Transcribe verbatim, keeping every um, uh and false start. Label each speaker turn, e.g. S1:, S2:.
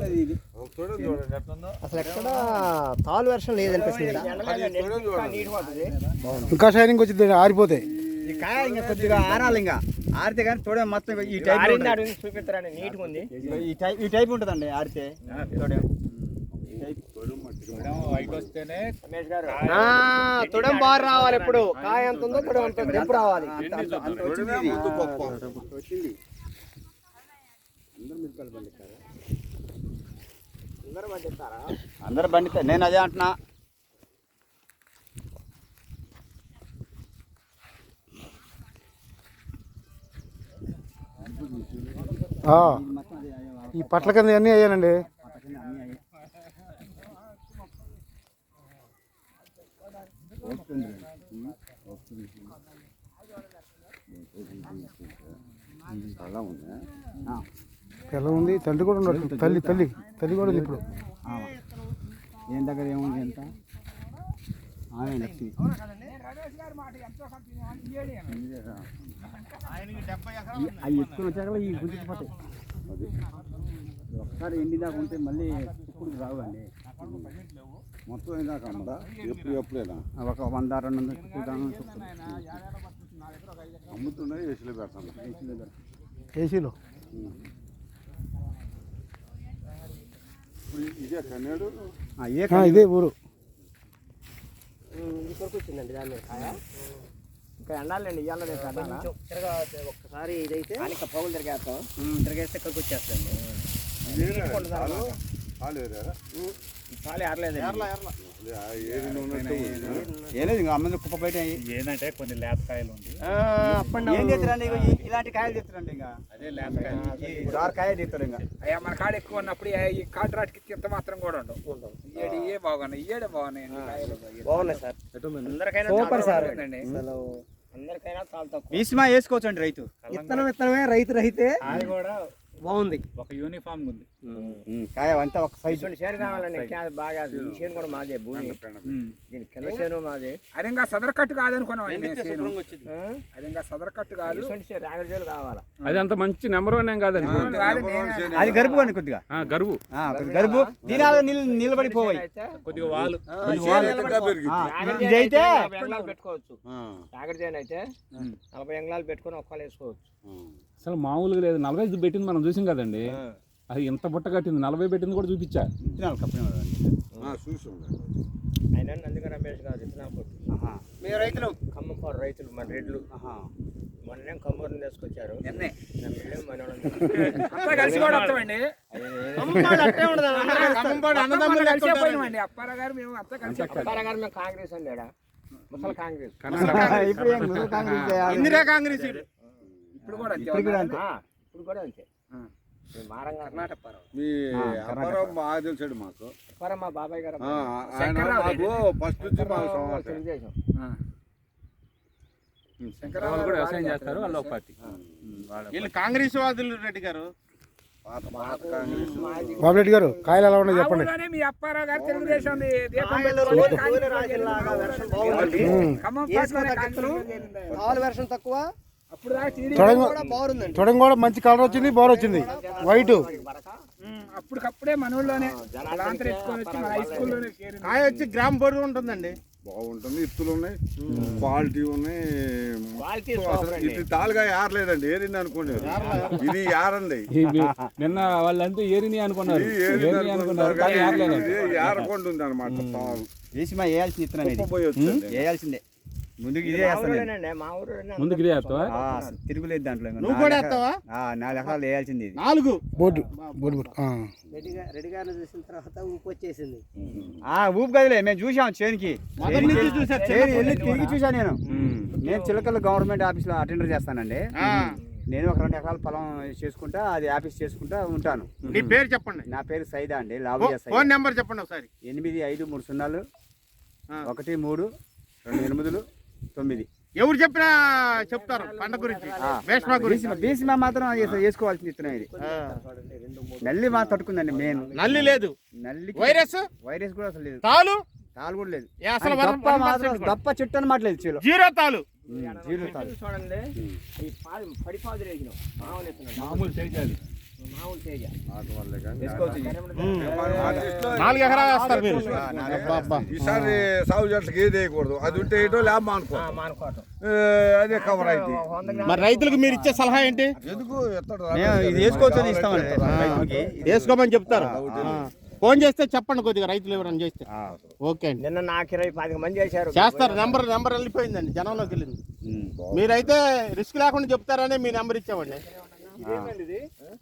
S1: అసలు ఎక్కడ తాలు వర్షం లేదనిపిస్తుంది.
S2: ఇంకా షైనింగ్ వచ్చింది, ఆరిపోతాయి
S3: ఈ కాయ ఇంకా కొద్దిగా ఆరాలి, ఇంకా ఆరితే కానీ తోడే మొత్తం ఈ టైప్
S1: చూపిస్తారండి, నీట్గా ఉంది.
S3: ఈ టైప్ ఈ టైప్ ఉంటుందండి ఆరితే తోడే.
S1: తుడం బారు రావాలి, ఇప్పుడు కాయ ఎంత ఉందో తుడం అంత తెంపు రావాలి.
S3: అందరు బండిస్తారు, నేను అదే అంటున్నా.
S2: ఈ పట్ల కింద అన్నీ అయ్యానండి. పిల్ల ఉంది, తల్లి కూడా ఉన్నట్టు. తల్లి తల్లి తల్లి కూడా ఉంది ఇప్పుడు.
S3: ఏం దగ్గర ఏముంది ఎంత లక్ష్మి అవి ఎత్తుకుని వచ్చాక ఈ గుంజుకుపోతాయి. ఒకసారి ఎండి దాకా ఉంటే మళ్ళీ ఇప్పుడు రావండి.
S4: మొత్తం ఇందాక అమ్మదా ఎప్పుడు ఎప్పుడైనా
S3: ఒక వంద రెండు వందల
S4: అమ్ముతున్నాయి. ఏసీలో పెడతాను,
S2: ఏసీలో.
S4: ఇదే కన్నాడు,
S2: ఇదే ఊరు.
S1: ఇంకొకటి వచ్చిందండి దాని మీద కాయ. ఇంకా ఎండాలండి, ఇవాళ తిరగా ఒక్కసారి ఇదైతే పౌలు తిరిగేస్తాం. తిరిగేస్తే ఇక్కడికి వచ్చేస్తుంది. చాలు ఏరలేదు,
S3: ఏలేదు ఇంకా అమ్మ కుప్ప బయట
S5: ఏంటంటే కొన్ని లేతకాయలు ఉంది.
S3: ఏం చేస్తారండి ఇలాంటి కాయలు తెస్తారండి. ఇంకా
S5: అదే లేతకాయలు
S3: జారు కాయ తీస్తారు. ఇంకా
S5: అయ్యా మన కాడ ఎక్కువ ఉన్నప్పుడు ఈ కాంట్రాక్ట్కి ఇంత మాత్రం కూడా ఉండవు. ఇయ్యడి ఇయే బాగున్నాయి, ఇయ్యడే బాగున్నాయి,
S1: బాగున్నాయి సార్. అందరికైనా సూపర్ సార్, అందరికైనా చాలా తక్కువ.
S3: భీష్మా వేసుకోవచ్చు అండి రైతు.
S1: విత్తనం విత్తనమే రైతు రహితే
S5: అది కూడా
S1: బాగుంది.
S5: ఒక యూనిఫామ్ ఉంది.
S3: కాయ అంతా ఒక సైజు
S1: చేను కావాలండి, బాగా. ఈ చేను కూడా మాదే, భూమి దీని కింద చేను మాదే.
S5: అది ఇంకా సదర్ కట్టు కాదనుకున్నాం. అది ఇంకా సదర్ కట్టు కాదు,
S1: రాగడి చేలు కావాలా.
S6: అది అంత మంచి నెంబర్ వన్ ఏం కాదండి.
S3: అది గరుపు అండి, కొద్దిగా
S6: గరువు
S3: గరుపు దీనాలు నిలబడిపోయి
S6: కొద్దిగా వాళ్ళు.
S3: ఇదైతే
S1: పెట్టుకోవచ్చు. రాగడి చేను అయితే నలభై ఎంగళాలు పెట్టుకుని ఒక్కలు వేసుకోవచ్చు.
S6: అసలు మామూలుగా లేదు. నలభై ఐదు పెట్టింది మనం చూసాం కదండి. అది ఎంత బుట్ట కట్టింది, నలభై పెట్టింది కూడా చూపించా.
S1: ఆయన నందిగా రమేష్ గారు విత్తనాలు.
S3: మీరు రైతులు,
S1: ఖమ్మంపాడు రైతులు, మన రెడ్లు మొన్నేం కమ్మూరుని తీసుకొచ్చారు.
S5: కలిసి కూడా వస్తామండి. అప్పారా గారు మేము అంతా కలిసి.
S1: అప్పారా గారు మేము కాంగ్రెస్ అండి, ముసలి కాంగ్రెస్.
S3: ఇందిరా కాంగ్రెస్
S5: ఇప్పుడు కూడా
S1: ఇప్పుడు కూడా అంతే. ఇప్పుడు కూడా అంతే. కర్ణాటక
S4: మీ అప్పారావు బాగా తెలిసాడు మాకు.
S1: అప్పారావు మా బాబాయ్ గారు
S4: ఫస్ట్ నుంచి
S1: తెలుగుదేశం.
S6: శంకరరావు కూడా వ్యవసాయం చేస్తారు, వాళ్ళు ఒక పార్టీ.
S3: వీళ్ళు కాంగ్రెస్ వాదులు. రెడ్డి గారు,
S2: బాబు రెడ్డి గారు, కాయలు ఎలా ఉన్నాయి చెప్పండి.
S5: మీ అప్పారావు గారు తెలుగుదేశం
S1: వర్షం తక్కువ.
S2: చూడండి కూడా మంచి కలర్ వచ్చింది, బోర్ వచ్చింది, వైట్.
S5: అప్పటికప్పుడే మనోళ్ళలోనే హై స్కూల్లోనే
S3: కాయ వచ్చి గ్రామ్ బరువు ఉంటుందండి.
S4: బాగుంటుంది, ఇత్తులు ఉన్నాయి, క్వాలిటీ ఉన్నాయి. ఇది తాలుగా ఏరలేదండి, ఏరింది అనుకోండి. ఇది ఏరండి.
S6: నిన్న వాళ్ళంతా ఏరిని అనుకున్నారు,
S4: ఏరకుండా ఉంది అనమాట. తాలు
S3: వేసి మా వేయాల్సిన ఇత్తనం వేయాల్సిందే. ముందుకు ఇదే
S6: ముందుకు ఇదే
S3: తిరుగులేదు దాంట్లో. నాలుగు ఎకరాలు వేయాల్సింది.
S2: నాలుగు బోర్డు బోర్డు
S1: రెడ్డి గారిని చూసిన తర్వాత ఊపు వచ్చేసింది.
S3: ఊపు కదలే, మేము చూసాం చేనికి తిరిగి చూసా. నేను నేను చిలకల గవర్నమెంట్ ఆఫీస్ లో అటెండర్ చేస్తానండి. నేను ఒక రెండు ఎకరాల పొలం చేసుకుంటా, అది ఆఫీస్ చేసుకుంటా ఉంటాను.
S2: నీ పేరు చెప్పండి.
S3: నా పేరు సైదా అండి, లాభయ్య.
S2: ఫోన్ నెంబర్ చెప్పండి ఒకసారి.
S3: ఎనిమిది ఐదు మూడు సున్నాలు ఒకటి మూడు రెండు ఎనిమిదిలు తొమ్మిది.
S2: ఎవరు చెప్పినా చెప్తారు పంట గురించి.
S3: భీష్మా మాత్రం వేసుకోవాల్సింది ఇత్తనం ఇది. నల్లి మా తట్టుకుందండి. మెయిన్
S2: నల్లి లేదు,
S3: నల్లి
S2: వైరస్
S3: వైరస్ కూడా అసలు లేదు,
S2: తాలు
S3: తాలు కూడా లేదు.
S2: దప్ప
S3: చెట్టు అనమాట లేదు,
S2: జీరో తాలు.
S1: జీరో తాలు చూడండి. ఈ పడిపాదు
S6: మామూలు సైజు అది.
S1: మామూలు తేజ
S4: నాటు వల్లే కానీ
S3: వేసుకోవచ్చు ఇది.
S4: ఆర్టిస్ట్లో
S2: నాలుగు ఎకరాలు వేస్తారు మీరు
S3: ఆ, నాలుగు
S4: ఈసారి సాగు చెట్లకి ఏది వేయకూడదు అది ఉంటే ఏటో లేబ అనుకో
S1: మానుకోవటం
S4: అదే కవర్ అయితే
S2: మరి రైతులకు మీరు ఇచ్చే సలహా ఏంటి?
S4: ఎందుకు ఎత్తడు
S3: మేము ఇది వేసుకోవచ్చు అని ఇస్తామండి రైతులకి.
S2: వేసుకోమని చెప్తారు. ఫోన్ చేస్తే చెప్పండి కొద్దిగా రైతులు ఎవరైనా చేస్తే. ఓకే అండి,
S1: నిన్న నాకు ఇరవై పాతిక మంది చేశారు.
S2: చేస్తారు. నెంబర్ నెంబర్ వెళ్ళిపోయిందండి, జనంలోకి వెళ్ళింది. మీరైతే రిస్క్ లేకుండా చెప్తారని మీ నెంబర్ ఇచ్చామండి.